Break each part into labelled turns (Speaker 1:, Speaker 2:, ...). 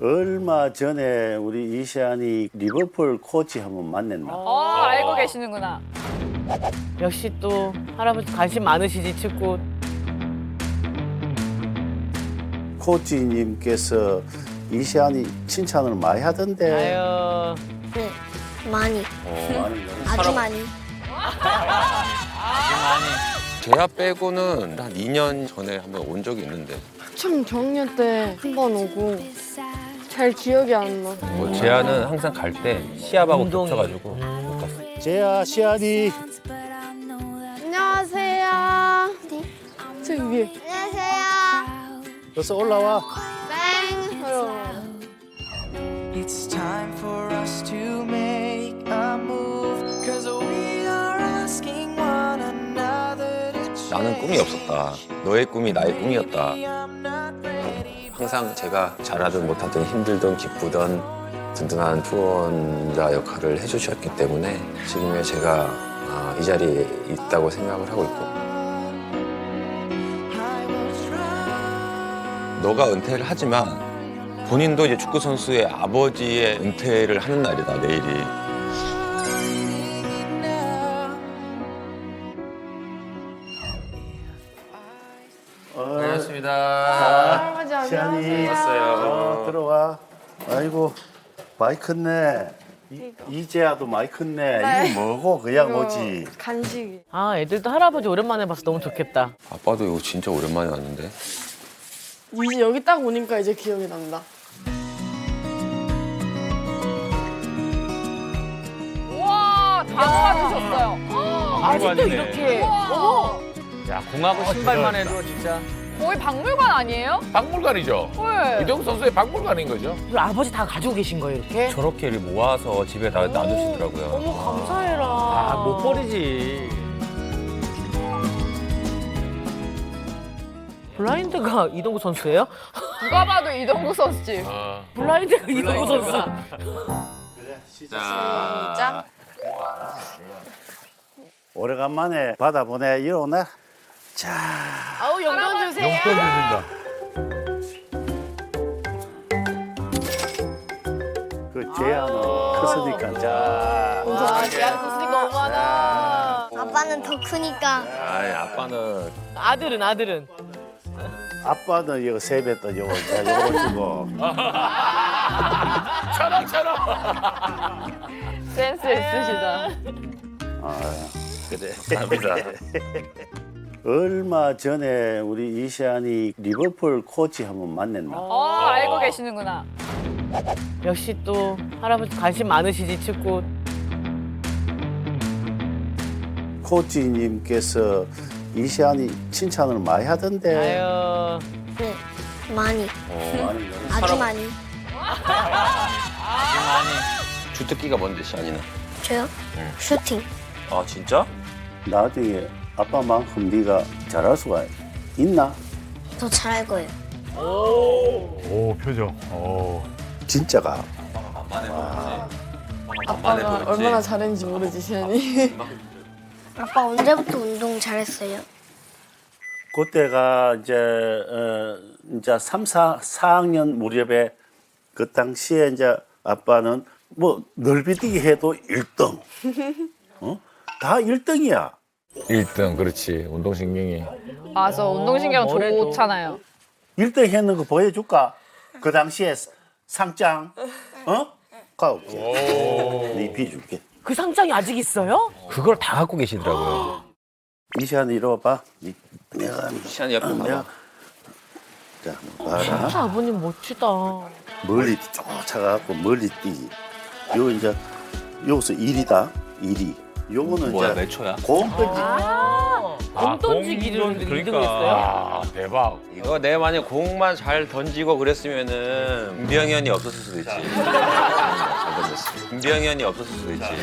Speaker 1: 얼마 전에 우리 이시안이 리버풀 코치 한번 만났나?
Speaker 2: 알고 계시는구나.
Speaker 3: 역시 또 할아버지 관심 많으시지 축구.
Speaker 1: 코치님께서 이시안이 칭찬을 많이 하던데.
Speaker 3: 아유.
Speaker 4: 네, 많이.
Speaker 1: 많이
Speaker 4: 아주 많이.
Speaker 5: 제야 빼고는 한 2년 전에 한번 온 적이 있는데
Speaker 6: 참 저학년 때 한 번 오고 잘 기억이 안 나.
Speaker 7: 뭐 제아는 항상 갈 때 시합하고
Speaker 3: 운동이.
Speaker 7: 겹쳐가지고 못 갔어.
Speaker 1: 제야 시안이
Speaker 6: 안녕하세요. 저기 위에.
Speaker 4: 안녕하세요.
Speaker 1: 어서 올라와.
Speaker 6: 땡.
Speaker 8: It's time for us to make a move. Cause we are asking one another to change.
Speaker 5: 나는 꿈이 없었다. 너의 꿈이 나의 꿈이었다. 항상 제가 잘하든 못하든 힘들든 기쁘든 든든한 후원자 역할을 해주셨기 때문에 지금의 제가 이 자리에 있다고 생각을 하고 있고
Speaker 8: I will try.
Speaker 5: 너가 은퇴를 하지만 본인도 이제 축구 선수의 아버지의 은퇴를 하는 날이다 내일이.
Speaker 7: 반갑습니다.
Speaker 6: 할아버지 안녕하세요.
Speaker 1: 시안이
Speaker 5: 왔어요.
Speaker 1: 들어와. 아이고 많이 컸네. 이제야도 많이 컸네. 이게 뭐고 그냥 오지.
Speaker 6: 간식이.
Speaker 3: 아 애들도 할아버지 오랜만에 봐서 너무 좋겠다.
Speaker 5: 아빠도 이거 진짜 오랜만에 왔는데.
Speaker 6: 이제 여기 딱 오니까 이제 기억이 난다.
Speaker 2: 우와, 다 모아주셨어요.
Speaker 3: 아직도
Speaker 7: 아니네.
Speaker 3: 이렇게.
Speaker 2: 우와,
Speaker 7: 야 공하고 신발만 해도 진짜
Speaker 2: 거의 박물관 아니에요?
Speaker 9: 박물관이죠.
Speaker 2: 헐.
Speaker 9: 이동국 선수의 박물관인 거죠.
Speaker 3: 우리 아버지 다 가지고 계신 거예요 이렇게?
Speaker 7: 저렇게 모아서 집에 다 놔두시더라고요.
Speaker 6: 너무 감사해라.
Speaker 7: 아 못 버리지.
Speaker 3: 블라인드가 이동구 선수예요?
Speaker 2: 누가 봐도 이동국 선수지.
Speaker 3: 블라인드가 이동구 선수.
Speaker 5: 자.
Speaker 1: 오래간만에 받아보내. 이리 오나? 자.
Speaker 3: 아우 영광 주세요.
Speaker 1: 그 제야는 컸으니까. 자.
Speaker 3: 아, 대한 교수님 너무 많아.
Speaker 4: 아빠는 더 크니까.
Speaker 5: 아이 아빠는
Speaker 3: 아들은.
Speaker 1: 아빠는 이거 세뱃돈 요거 요거 주고.
Speaker 2: 센스 있으시다.
Speaker 5: 그래. 감사합니다.
Speaker 1: 얼마 전에 우리 이시안이 리버풀 코치 한번 만났나?
Speaker 2: 알고 계시는구나.
Speaker 3: 역시 또 할아버지 관심 많으시지 축구.
Speaker 1: 코치님께서 이시안이 칭찬을 많이 하던데.
Speaker 3: 아유.
Speaker 4: 네, 많이.
Speaker 1: 많이
Speaker 4: 아주 많이.
Speaker 5: 주특기가 뭔데 시안이는?
Speaker 4: 저요? 슈팅.
Speaker 5: 아 진짜?
Speaker 1: 나중에 아빠만큼 네가 잘할 수가 있나?
Speaker 4: 더 잘할 거예요.
Speaker 9: 오 표정. 오.
Speaker 1: 진짜가.
Speaker 6: 아빠가 얼마나 잘했는지 모르지, 시안이.
Speaker 4: 아빠 언제부터 운동 잘했어요?
Speaker 1: 그때가 이제 3, 4학년 무렵에 그 당시에 이제 아빠는 뭐 넓이뛰기 해도 1등. 다 1등이야.
Speaker 9: 1등 그렇지 운동신경이.
Speaker 2: 맞아, 운동신경
Speaker 3: 뭐래도.
Speaker 2: 좋잖아요.
Speaker 1: 1등 했는 거 보여줄까? 그 당시에 상장. 가올게. 네 비줄게.
Speaker 3: 그 상장이 아직 있어요?
Speaker 7: 그걸 다 갖고 계시더라고요.
Speaker 1: 이시안 이리 와봐. 내가
Speaker 5: 시안이 옆에 봐봐.
Speaker 1: 자, 봐라.
Speaker 3: 진짜 아버님 멋지다.
Speaker 1: 멀리 쫓아가고 멀리 뛰기. 요 이제 여기서 1이다. 1위. 요거는
Speaker 5: 뭐야
Speaker 1: 이제
Speaker 5: 몇 초야?
Speaker 1: 공 던지.
Speaker 3: 공 던지기를
Speaker 9: 그러니까.
Speaker 3: 2등했어요?
Speaker 9: 아 대박.
Speaker 5: 이거 내가 만약 공만 잘 던지고 그랬으면은 김병현이 없었을 수도 있지. 잘 던졌어. 김병현이 없었을 수도 있지.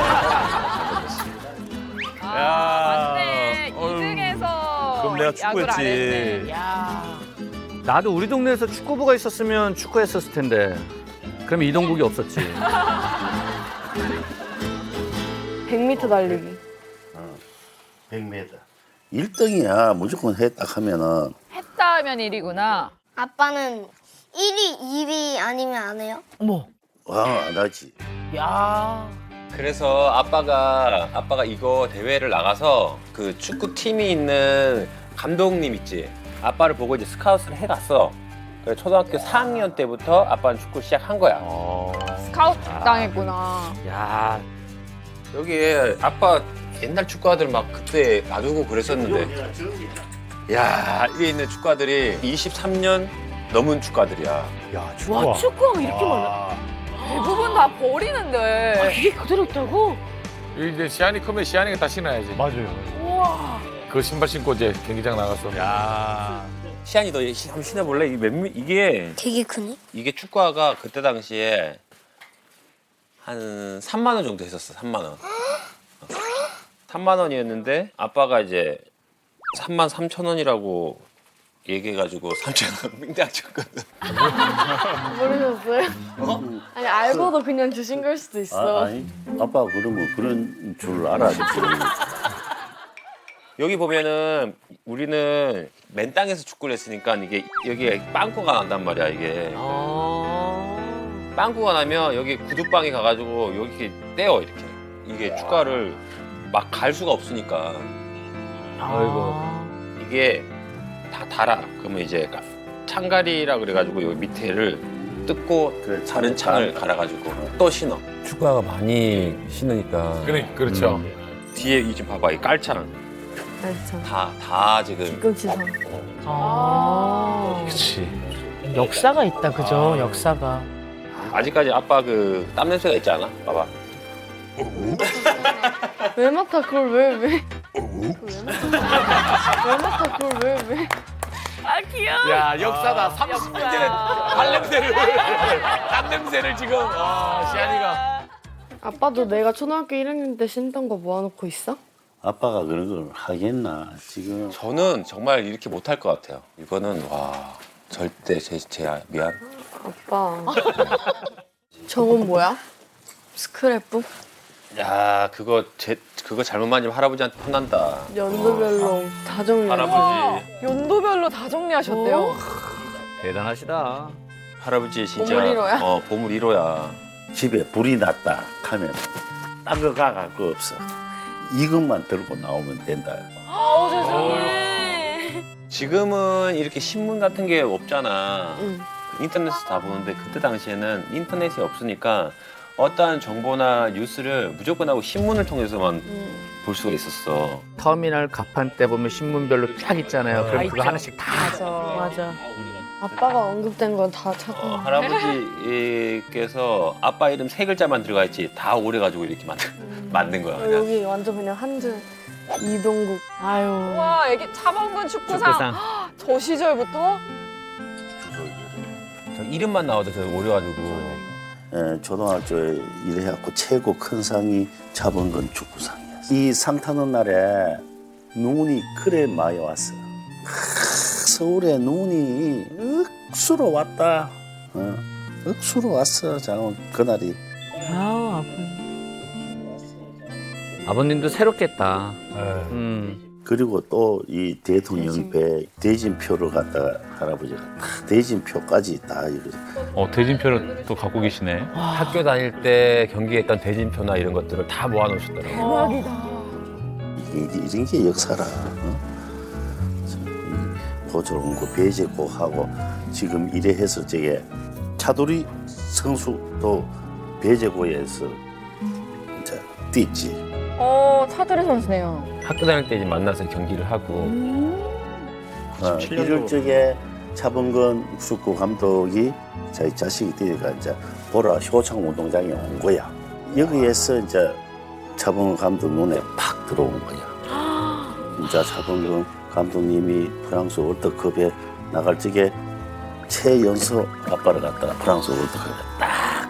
Speaker 2: 맞네. 2등에서
Speaker 10: 그럼 내가
Speaker 2: 야구를 안 했네.
Speaker 10: 축구했지.
Speaker 3: 야.
Speaker 10: 나도 우리 동네에서 축구부가 있었으면 축구했었을 텐데. 그럼 이동국이 없었지.
Speaker 6: 100m 달리기.
Speaker 1: 100m. 1등이야. 무조건 했다 하면은.
Speaker 2: 했다 하면 1위구나.
Speaker 4: 아빠는 1위, 2위 아니면 안 해요?
Speaker 3: 어머.
Speaker 1: 안 하지.
Speaker 3: 야.
Speaker 5: 그래서 아빠가 이거 대회를 나가서 그 축구팀이 있는 감독님 있지. 아빠를 보고 이제 스카웃을 해갔어. 그래서 초등학교 4학년 때부터 아빠는 축구 시작한 거야.
Speaker 2: 스카우트 당했구나.
Speaker 10: 야,
Speaker 5: 여기에 아빠 옛날 축구화들 막 그때 놔두고 그랬었는데. 야, 여기 있는 축구화들이 23년 넘은 축구화들이야.
Speaker 9: 야,
Speaker 3: 와, 축구가 이렇게 많아.
Speaker 2: 대부분 다 버리는데.
Speaker 3: 이게 그대로 있다고?
Speaker 9: 이제 시안이 크면 시안이가 다 신어야지. 맞아요.
Speaker 3: 우와.
Speaker 9: 그 신발 신고 이제 경기장 나가서.
Speaker 10: 야.
Speaker 5: 시안이 너 한번 신어볼래? 이게
Speaker 4: 되게 크네.
Speaker 5: 이게 축구화가 그때 당시에 한 3만 원 정도 했었어. 3만 원. 3만 원이었는데 아빠가 이제 3만 3천 원이라고 얘기해가지고 3천 원 빙당 줬거든.
Speaker 6: 모르셨어요? 아니 알고도 그냥 주신 걸 수도 있어.
Speaker 1: 아니, 아빠 그러면 그런 줄 알아야지.
Speaker 5: 여기 보면은 우리는 맨 땅에서 축구를 했으니까 이게 여기에 빵꾸가 난단 말이야 이게. 빵꾸가 나면 여기 구두방에 가가지고 여기 이렇게 떼어 이렇게. 이게 축구화를 막 갈 수가 없으니까.
Speaker 10: 아이고.
Speaker 5: 이게 다 달아. 그러면 이제 창가리라 그래가지고 여기 밑에를 뜯고
Speaker 1: 그래,
Speaker 5: 다른 창을 갈아가지고 또 신어.
Speaker 7: 축구화가 많이 신으니까.
Speaker 9: 그렇죠.
Speaker 5: 뒤에 이 좀 봐봐 이 깔창
Speaker 6: 알죠.
Speaker 5: 다 지금
Speaker 6: 기금치상.
Speaker 9: 그렇지.
Speaker 3: 역사가 있다, 그죠? 역사가.
Speaker 5: 아직까지 아빠 그 땀 냄새가 있지 않아? 봐봐.
Speaker 6: 왜 맡아 그걸 왜? 왜 맡아 그걸 왜?
Speaker 2: 아 귀여워.
Speaker 9: 야, 역사다. 30년 전에 발냄새를, 땀 냄새를 지금. 시안이가.
Speaker 6: 아빠도 내가 초등학교 1학년 때 신던 거 모아놓고 있어?
Speaker 1: 아빠가 그런 걸 하겠나 지금.
Speaker 5: 저는 정말 이렇게 못할 것 같아요. 이거는 와 절대 제 미안.
Speaker 6: 아빠. 저건 뭐야? 스크랩북?
Speaker 5: 야 그거 잘못 만지면 할아버지한테 혼난다.
Speaker 6: 연도별로 다 정리해.
Speaker 5: 할아버지
Speaker 2: 연도별로 다 정리하셨대요.
Speaker 10: 대단하시다.
Speaker 5: 할아버지 진짜
Speaker 6: 보물 1호야?
Speaker 5: 보물 1호야.
Speaker 1: 집에 불이 났다 하면 딴 거 가갈 거 없어. 이것만 들고 나오면 된다.
Speaker 2: 아우 세상에.
Speaker 5: 지금은 이렇게 신문 같은 게 없잖아.
Speaker 6: 응.
Speaker 5: 인터넷에서 다 보는데 그때 당시에는 인터넷이 없으니까 어떠한 정보나 뉴스를 무조건 하고 신문을 통해서만 볼 수가 있었어.
Speaker 10: 터미널 가판 때 보면 신문별로 쫙 있잖아요. 그럼 그거
Speaker 3: 있죠.
Speaker 10: 하나씩 다.
Speaker 3: 맞아.
Speaker 6: 아빠가 언급된 건 다 찾아.
Speaker 5: 할아버지께서 아빠 이름 3글자만 들어가 있지 다 오래가지고 이렇게 만든 거야. 그냥.
Speaker 6: 여기 완전 그냥 한 줄. 이동국.
Speaker 3: 아유.
Speaker 2: 와 애기 차범근 축구상. 저 시절부터?
Speaker 7: 저 이름만 나와도 저 오래가지고.
Speaker 1: 초등학교에 일해갖고 최고 큰 상이 차범근 축구상이야. 이 상 타는 날에 눈이 그래 많이 왔어. 서울에 눈이 억수로 왔다. 억수로 왔어. 장원 그날이.
Speaker 3: 아우, 아픈.
Speaker 10: 아버님도 새롭겠다.
Speaker 9: 네.
Speaker 1: 그리고 또 이 대통령배 대진표를 갖다가 할아버지가 다 대진표까지 다 이거.
Speaker 9: 대진표를 또 갖고 계시네.
Speaker 7: 학교 다닐 때 경기했던 대진표나 이런 것들을 다 모아놓으셨더라고요.
Speaker 3: 대박이다.
Speaker 1: 이런 게 역사라. 보조원고 배제고 하고 지금 이래 해서 저게 차돌이 선수도 배제고에서 이제 뛰지.
Speaker 2: 차두리 선수네요.
Speaker 7: 학교 다닐 때 이제 만나서 경기를 하고.
Speaker 1: 이럴 적에 차범근 축구 감독이 자기 자식이 뛰니까 이제 보라 효창 운동장에 온 거야. 여기에서 이제 차범근 감독 눈에 팍 들어온 거야. 진짜 차범근 감독님이 프랑스 월드컵에 나갈 적에 최연소 아빠를 갖다가 프랑스 월드컵에 딱.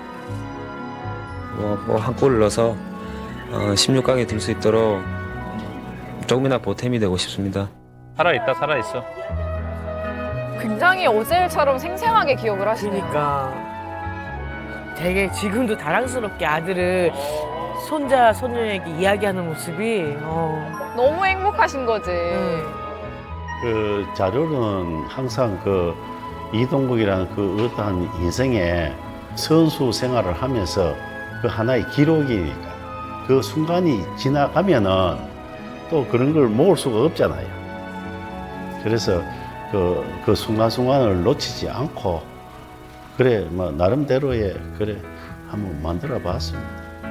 Speaker 5: 한 골을 넣어서 16강에 들 수 있도록 조금이나 보탬이 되고 싶습니다.
Speaker 9: 살아있다, 살아있어.
Speaker 2: 굉장히 어제 일처럼 생생하게 기억을 하시네요.
Speaker 3: 그러니까 되게 지금도 자랑스럽게 아들을 손자 손녀에게 이야기하는 모습이
Speaker 2: 너무 행복하신 거지.
Speaker 1: 그 자료는 항상 그 이동국이라는 그 어떠한 인생의 선수 생활을 하면서 그 하나의 기록이니까 그 순간이 지나가면은 또 그런 걸 모을 수가 없잖아요. 그래서 그 순간순간을 놓치지 않고 그래 뭐 나름대로의 그래 한번 만들어 봤습니다.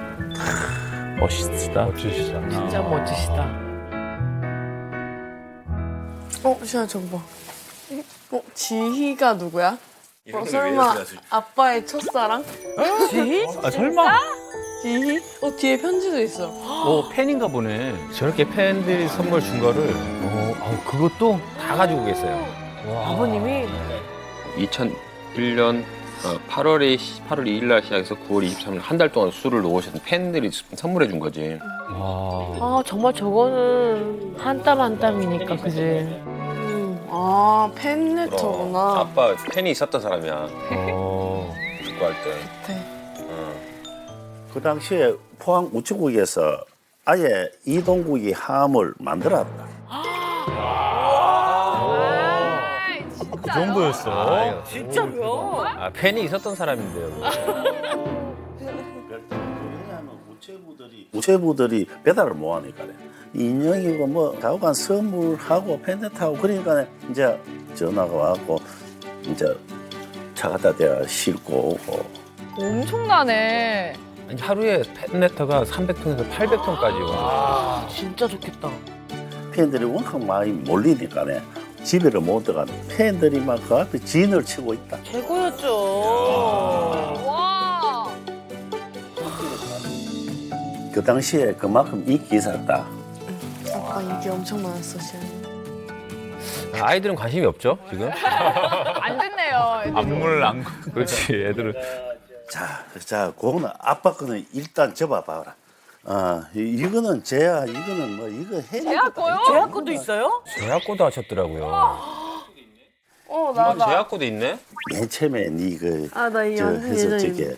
Speaker 7: 멋있다. 멋지시다.
Speaker 3: 진짜 멋지시다.
Speaker 6: 시아 저거 봐. 지희가 누구야? 설마 아빠의 첫사랑?
Speaker 3: 지희?
Speaker 10: 아 설마?
Speaker 6: 지희? 뒤에 편지도 있어.
Speaker 10: 오 팬인가 보네.
Speaker 7: 저렇게 팬들이 선물 준 거를 그것도 다 가지고 계세요.
Speaker 3: 아버님이
Speaker 5: 2001년 8월 2일 날 시작해서 9월 23일 한 달 동안 술을 놓으셨던 팬들이 선물해 준 거지.
Speaker 3: 아 정말 저거는 한 땀 한 땀이니까 그지.
Speaker 6: 팬레터구나.
Speaker 5: 아빠 팬이 있었던 사람이야. 축구할 때.
Speaker 1: 그 당시에 포항 우체국에서 아예 이동국이 함을 만들었다.
Speaker 2: 그
Speaker 7: 정도였어.
Speaker 3: 진짜로요?
Speaker 7: 팬이 있었던 사람인데요.
Speaker 1: 왜냐하면 우체부들이 배달을 못 하니까 인형이고 뭐 좌우간 선물하고 팬데타고 그러니까 이제 전화가 왔고 이제 차 갖다 대야 싣고 오고.
Speaker 2: 엄청나네.
Speaker 7: 아니, 하루에 팬레터가 300통에서 800통까지 와.
Speaker 3: 진짜 좋겠다.
Speaker 1: 팬들이 워낙 많이 몰리니까 집에를 못 들어가는 팬들이 막 그 앞에 진을 치고 있다.
Speaker 3: 최고였죠.
Speaker 2: 와.
Speaker 1: 그 당시에 그만큼 인기 있었다.
Speaker 6: 아빠 인기 엄청 많았어, 시아는.
Speaker 7: 아이들은 관심이 없죠, 지금?
Speaker 2: 안 됐네요. 애들도.
Speaker 10: 안무를 안.
Speaker 7: 그렇지, 애들은.
Speaker 1: 자, 그거는 아빠 거는 일단 접어봐라. 이거는 쟤야, 이거는 뭐 이거 해.
Speaker 2: 제약 거요?
Speaker 3: 제약권도 있어요?
Speaker 7: 제약고도 하셨더라고요.
Speaker 6: 나.
Speaker 5: 제약고도 있네?
Speaker 1: 맨 처음에
Speaker 6: 나 이
Speaker 1: 저
Speaker 6: 완전
Speaker 1: 해서
Speaker 6: 예전에.
Speaker 1: 저게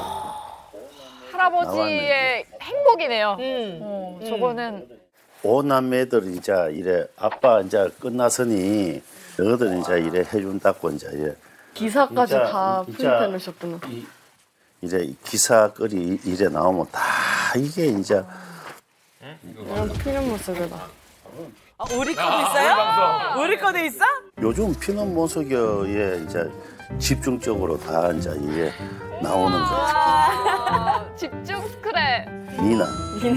Speaker 2: 할아버지의 행복이네요. 저거는
Speaker 1: 오남매들 이제 이래 아빠 이제 끝났으니 너희들 이제 이래 해준다고 이제 이래
Speaker 6: 기사까지
Speaker 1: 진짜,
Speaker 6: 다
Speaker 1: 진짜.
Speaker 6: 프린트해놓으셨구나.
Speaker 1: 이래 기사거리 이래 나오면 다 이게 이제
Speaker 6: 이런 필름 모습이다.
Speaker 3: 우리 거도 있어요? 우리 거도 있어?
Speaker 1: 요즘 피눈 모속에 이제 집중적으로 다 이제 이게 나오는 거야.
Speaker 2: 집중 스크랩.
Speaker 1: 미나.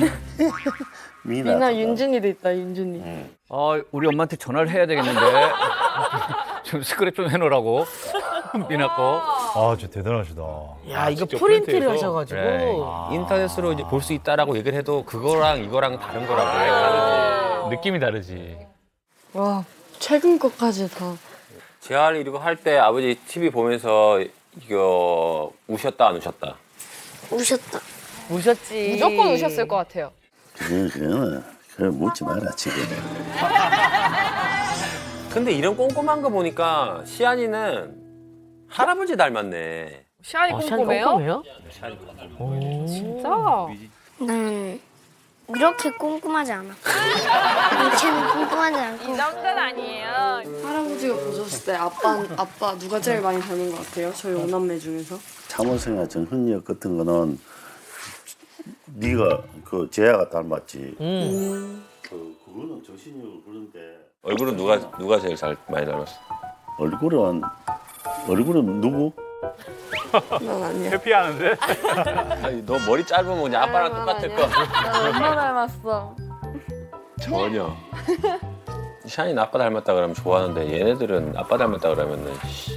Speaker 6: 미나 윤준이도 있다, 윤준이.
Speaker 10: 우리 엄마한테 전화를 해야 되겠는데. 좀 스크랩 좀 해놓으라고. 미나 거.
Speaker 7: 아, 진짜 대단하시다.
Speaker 3: 야 이거
Speaker 7: 직접
Speaker 3: 프린트를
Speaker 7: 프린트해서?
Speaker 3: 하셔가지고.
Speaker 7: 그래. 인터넷으로 이제 볼 수 있다라고 얘기를 해도 그거랑 이거랑 다른 거라고.
Speaker 10: 느낌이 다르지.
Speaker 6: 와, 최근 것까지 다.
Speaker 5: 재활 이거 할 때 아버지 TV 보면서 이거 우셨다 안 우셨다?
Speaker 4: 우셨다.
Speaker 3: 우셨지.
Speaker 2: 무조건 우셨을 것 같아요.
Speaker 1: 그거는 묻지 마라 지금.
Speaker 5: 근데 이런 꼼꼼한 거 보니까 시안이는 할아버지 닮았네.
Speaker 2: 시안이 꼼꼼해요?
Speaker 3: 꼼꼼해요?
Speaker 2: 진짜?
Speaker 4: 나는 이렇게 꼼꼼하지 않아. 쟤는 꼼꼼하지
Speaker 2: 이
Speaker 4: 않고.
Speaker 2: 정도는 아니에요.
Speaker 6: 할아버지가 보셨을 때 아빠 누가 제일 많이 닮은 것 같아요? 저희 오남매 중에서?
Speaker 1: 참원성이나 정훈력 같은 거는 네가 그 재야가 닮았지. 그거는 정신력을 그런데
Speaker 5: 얼굴은 누가 제일 많이 닮았어?
Speaker 1: 얼굴은 누구?
Speaker 6: 난 아니야.
Speaker 10: 회피하는데?
Speaker 5: 아니, 너 머리 짧으면 그냥 아빠랑 똑같을 거.
Speaker 6: 나 엄마 닮았어.
Speaker 5: 전혀. 샤인 아빠 닮았다 그러면 좋아하는데 얘네들은 아빠 닮았다 그러면은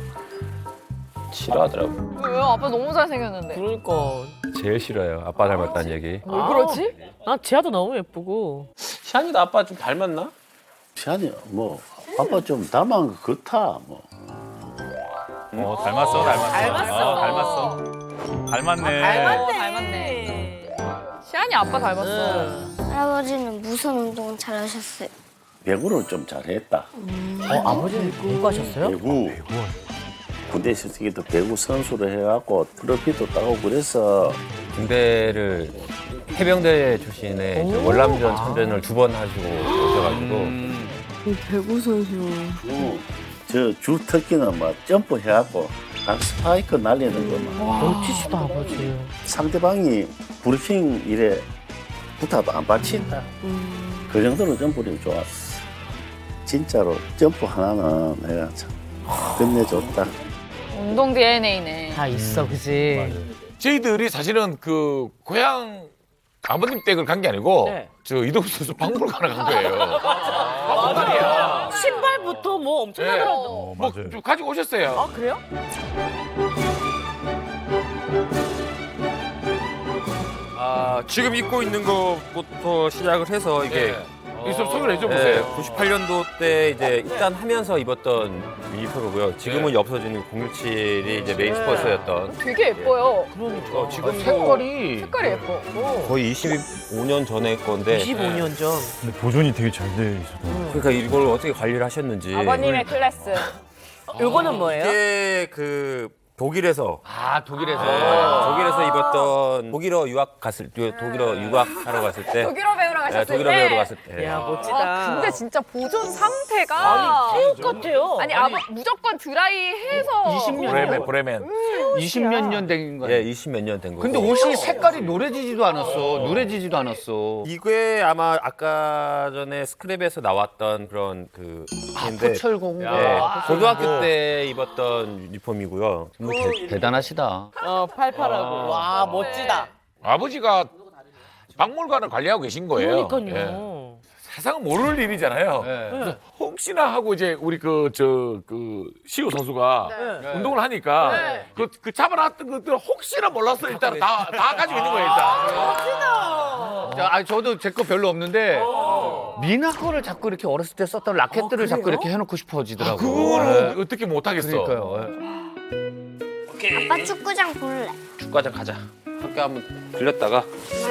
Speaker 5: 싫어하더라고.
Speaker 2: 왜요? 아빠 너무 잘생겼는데.
Speaker 3: 그러니까.
Speaker 7: 제일 싫어요. 아빠 닮았다는 얘기.
Speaker 2: 왜 그러지?
Speaker 3: 난 지아도 너무 예쁘고.
Speaker 5: 샤인이도 아빠 좀 닮았나?
Speaker 1: 시안이 뭐 아빠 좀 닮은 거 같아 뭐.
Speaker 10: 닮았어. 닮았어. 닮았네.
Speaker 2: 닮았네. 시안이 아빠 닮았어.
Speaker 4: 할아버지는 무슨 운동 잘하셨어요?
Speaker 1: 배구를 좀 잘했다.
Speaker 3: 아버지는 공부하셨어요?
Speaker 1: 배구. 군대 있을 때도 배구 선수를 해갖고 트로피도 따고 그래서
Speaker 7: 군대를 해병대 출신의 저 월남전 참전을 2번 하시고 오셔가지고
Speaker 6: 배구 선수.
Speaker 1: 저 주 특기는 막 점프해갖고 각 스파이크 날리는 거 막.
Speaker 3: 멋지시다 아버지.
Speaker 1: 상대방이 브리핑 이래 붙어도 안 받친다. 그 정도로 점프력이 좋았어. 진짜로 점프 하나는 내가 참 끝내줬다.
Speaker 2: 운동 DNA네.
Speaker 3: 다 있어, 그지?
Speaker 9: 저희들이 사실은 그 고향 아버님 댁을 간 게 아니고
Speaker 3: 네.
Speaker 9: 저 이동수 선수 박물관을 간 거예요. 박물관이야.
Speaker 3: 신발부터 뭐 엄청나더라고.
Speaker 9: 뭐 좀 가지고 오셨어요.
Speaker 3: 아, 그래요?
Speaker 7: 지금 입고 있는 것부터 시작을 해서 이게
Speaker 9: 이거 좀 소개를 해줘보세요.
Speaker 7: 98년도 때 이제 입단하면서 입었던 유니폼이고요. 지금은 없어진 017이 이제 메인 스포츠였던.
Speaker 2: 되게 예뻐요.
Speaker 3: 그러니까.
Speaker 7: 지금
Speaker 9: 색깔이
Speaker 2: 색깔이 예뻐.
Speaker 7: 거의 25년 전의 건데.
Speaker 3: 25년 전.
Speaker 11: 근데 보존이 되게 잘 돼 있어서.
Speaker 7: 그러니까 이걸 어떻게 관리를 하셨는지.
Speaker 2: 아버님의 클래스.
Speaker 3: 요거는 뭐예요?
Speaker 7: 이게 그 독일에서
Speaker 9: 독일에서
Speaker 7: 입었던 독일어 유학 갔을 때 독일어 유학하러 갔을 때
Speaker 2: 독일어 배우러 가셨을 때.
Speaker 7: 독일어 배우러 갔을 때.
Speaker 3: 야, 멋지다.
Speaker 2: 아, 근데 진짜 보존 상태가
Speaker 3: 새우 같아요.
Speaker 2: 아니 무조건 드라이해서
Speaker 11: 20년
Speaker 9: 브레멘.
Speaker 11: 20몇 년 된 거야.
Speaker 7: 예, 20몇 년 된 거고.
Speaker 11: 근데 옷이 색깔이 노래지지도 않았어. 누래지지도 않았어.
Speaker 7: 이게 아마 아까 전에 스크랩에서 나왔던 그런 그 인데
Speaker 11: 포철공.
Speaker 7: 예, 고등학교 때 입었던 유니폼이고요.
Speaker 11: 뭐 대단하시다.
Speaker 3: 팔팔하고. 와, 멋지다.
Speaker 9: 아버지가 박물관을 관리하고 계신 거예요.
Speaker 3: 그러니까요.
Speaker 9: 예. 세상은 모를 일이잖아요.
Speaker 11: 네.
Speaker 9: 그래서 혹시나 하고 이제 우리 그 시우 선수가 운동을 하니까 그 잡아놨던 것들 혹시나 몰랐어 일단 다 가지고 있는 거예요 일단.
Speaker 11: 자, 아니, 저도 제 거 별로 없는데 미나 거를 자꾸 이렇게 어렸을 때 썼던 라켓들을 자꾸 이렇게 해놓고 싶어지더라고.
Speaker 9: 그거는 어떻게 못 하겠어.
Speaker 11: 그러니까요.
Speaker 4: 아빠 축구장 볼래.
Speaker 5: 축구장 가자. 학교 한번 들렸다가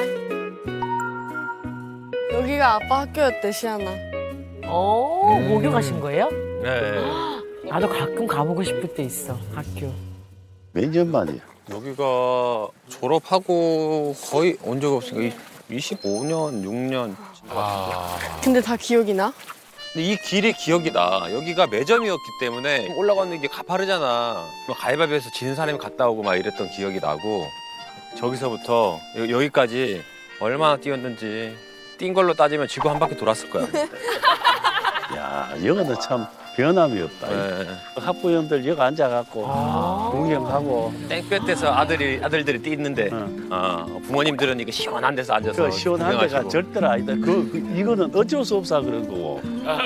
Speaker 6: 여기가 아빠 학교였대, 시아나.
Speaker 3: 목욕 가신 거예요?
Speaker 7: 네.
Speaker 3: 나도 가끔 가보고 싶을 때 있어, 학교.
Speaker 1: 몇 년 만이야?
Speaker 5: 여기가 졸업하고 거의 온 적 없으니까 25년, 6년.
Speaker 6: 근데 다 기억이 나?
Speaker 5: 근데 이 길이 기억이 나. 여기가 매점이었기 때문에 올라가는 게 가파르잖아. 뭐 가위바위보에서 지는 사람이 갔다 오고 막 이랬던 기억이 나고 저기서부터 여기까지 얼마나 뛰었는지 뛴 걸로 따지면 지구 한 바퀴 돌았을 거야.
Speaker 1: 야, 여기는 참 변함이 없다.
Speaker 5: 네.
Speaker 1: 학부형들 여기 앉아갖고 구경하고
Speaker 5: 땡볕에서 아들들이 뛰는데 부모님들은 이거 시원한 데서 앉아서
Speaker 1: 그 시원한 데가
Speaker 5: 구경하시고.
Speaker 1: 절대로 아니다. 이거는 어쩔 수 없어 그런 거고.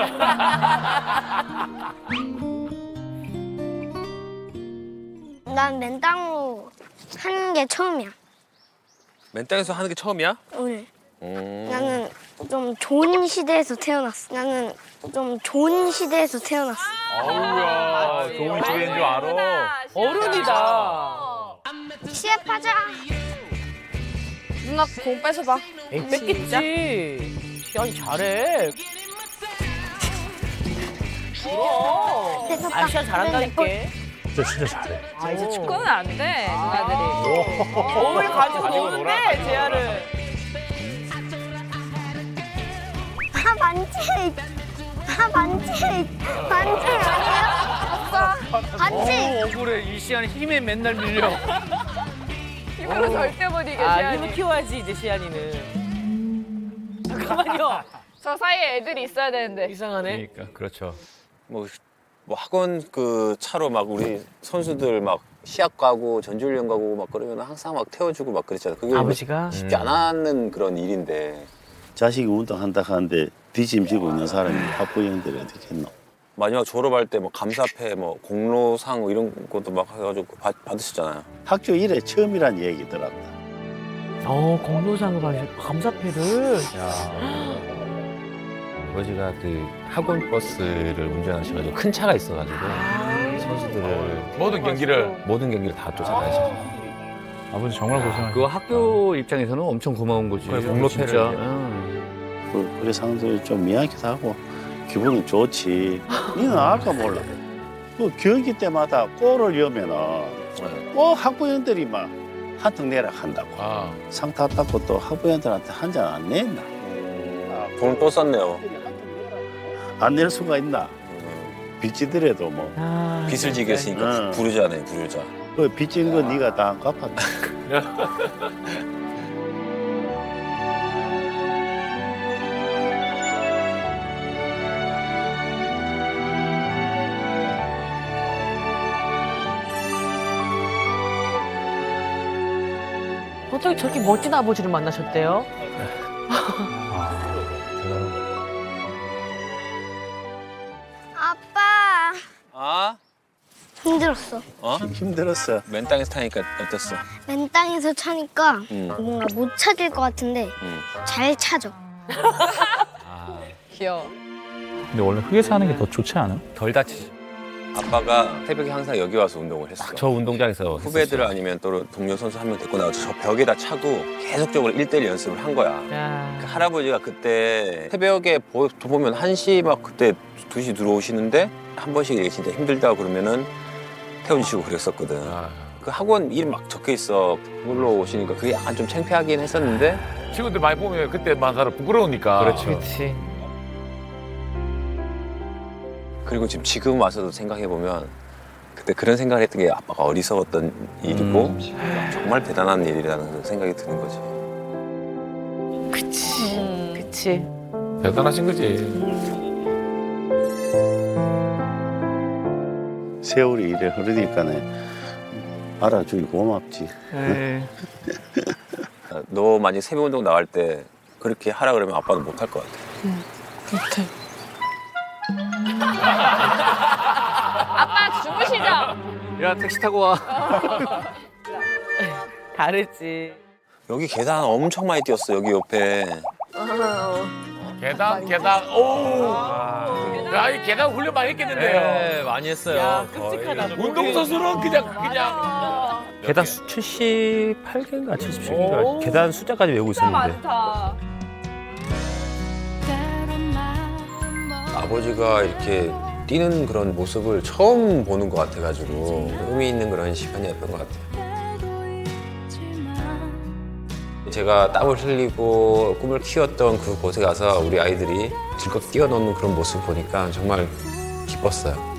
Speaker 4: 난 맨땅으로 하는 게 처음이야.
Speaker 5: 맨 땅에서 하는 게 처음이야?
Speaker 4: 오늘. 나는 좀 좋은 시대에서 태어났어. 나는 좀 좋은 시대에서 태어났어.
Speaker 9: 아우야 좋은 시대인 줄 알아.
Speaker 3: 어른이다.
Speaker 4: 시합하자.
Speaker 6: 누나 공 뺏어봐.
Speaker 3: 에이, 뺐겠지. 시안이 잘해.
Speaker 4: 그래서
Speaker 3: 아, 시안 잘한다니까.
Speaker 11: 진짜 잘해.
Speaker 2: 아 이제 축구는 안 돼 누나들이.
Speaker 3: 거울 가지고 노는데, 재아를.
Speaker 4: 반칙 아니야? 반칙.
Speaker 11: 억울해. 이 시간에 힘에 맨날 밀려.
Speaker 2: 힘으로 절대 못 이겨
Speaker 3: 아,
Speaker 2: 시안이.
Speaker 3: 힘을 키워야지, 이제 시안이는. 잠깐만요.
Speaker 2: 저 사이에 애들이 있어야 되는데.
Speaker 3: 이상하네.
Speaker 7: 그러니까 그렇죠.
Speaker 5: 뭐 학원 그 차로 막 우리 선수들 막 시합 가고 전지훈련 가고 막 그러면 항상 막 태워주고 막 그랬잖아. 그게
Speaker 3: 아버지가?
Speaker 5: 쉽지 않았는 그런 일인데
Speaker 1: 자식이 운동한다 하는데 뒤짐지고 있는 사람이 학부형들이 어떻게 했노?
Speaker 5: 마지막 졸업할 때 뭐 감사패 뭐 공로상 뭐 이런 것도 막 해가지고 받으셨잖아요.
Speaker 1: 학교 일에 처음이란 얘기더랍니다.
Speaker 3: 공로상을 받으셨고, 감사패를.
Speaker 7: 아버지가 그 학원 버스를 운전하셔가지고 큰 차가 있어가지고 선수들을
Speaker 9: 모든 경기를
Speaker 7: 다 쫓아다니셨어요.
Speaker 11: 아버지 정말 고생하셨어.
Speaker 10: 그 학교 입장에서는 엄청 고마운 거지.
Speaker 7: 그래, 공로패를
Speaker 10: 진짜.
Speaker 1: 그 우리 상들이 좀 미안하기도 하고 기분은 좋지. 니는 알까 몰라. 그 경기 때마다 골을 넣으면은 학부형들이 막 한턱 내라 한다고. 상 탔다고 또 학부형들한테 한 잔 안 냈나?
Speaker 5: 돈을 또 썼네요.
Speaker 1: 안 낼 수가 있나? 빚지더라도 뭐.
Speaker 5: 빚을 지게 했으니까 부르자네, 부르자.
Speaker 1: 그 빚진 거 네가 다 갚았다.
Speaker 3: 어떻게 저렇게 멋진 아버지를 만나셨대요?
Speaker 4: 아빠
Speaker 5: 아?
Speaker 4: 힘들었어.
Speaker 1: 힘들었어.
Speaker 5: 맨 땅에서 타니까 어땠어?
Speaker 4: 맨 땅에서 차니까
Speaker 5: 응.
Speaker 4: 뭔가 못 찾을 것 같은데
Speaker 5: 응.
Speaker 4: 잘 찾아.
Speaker 2: 귀여워.
Speaker 10: 근데 원래 흙에서 하는 게 더 좋지 않아?
Speaker 7: 덜 다치지.
Speaker 5: 아빠가 새벽에 항상 여기 와서 운동을 했어.
Speaker 7: 저 운동장에서
Speaker 5: 후배들 아니면 또 동료 선수 한 명 데리고 나와서 저 벽에다 차고 계속적으로 1대1 연습을 한 거야. 그 할아버지가 그때 새벽에 보면 1시 막 그때 2시 들어오시는데 한 번씩 이렇게 진짜 힘들다고 그러면은 태워주시고 그랬었거든. 그 학원 이름 막 적혀 있어. 그걸로 오시니까 그게 약간 좀 창피하긴 했었는데.
Speaker 9: 친구들 많이 보면 그때만 살아 부끄러우니까.
Speaker 7: 그렇죠.
Speaker 3: 그렇지.
Speaker 5: 그리고 지금 와서도 생각해보면 그때 그런 생각을 했던 게 아빠가 어리석었던 일이고 정말 대단한 일이라는 생각이 드는 거지.
Speaker 3: 그치. 그치.
Speaker 9: 대단하신 거지.
Speaker 1: 세월이 이래 흐르니까네 알아주기 고맙지.
Speaker 5: 너 만약 새벽 운동 나갈 때 그렇게 하라 그러면 아빠는 못 할 것 같아.
Speaker 6: 못해.
Speaker 2: 아빠 주무시죠?
Speaker 10: 야 택시 타고 와.
Speaker 3: 다르지.
Speaker 5: 여기 계단 엄청 많이 뛰었어, 여기 옆에.
Speaker 9: 계단. 오. 야, 이 계단 훈련 많이 했겠는데요.
Speaker 7: 네, 많이 했어요.
Speaker 3: 야, 끔찍하다.
Speaker 9: 운동선수는 그냥.
Speaker 7: 계단 78개인가 77개인가 계단 숫자까지 외우고
Speaker 2: 진짜
Speaker 7: 있었는데.
Speaker 2: 많다.
Speaker 5: 아버지가 이렇게 뛰는 그런 모습을 처음 보는 것 같아가지고 의미 있는 그런 시간이었던 것 같아요. 제가 땀을 흘리고 꿈을 키웠던 그곳에 가서 우리 아이들이 즐겁게 뛰어노는 그런 모습을 보니까 정말 기뻤어요.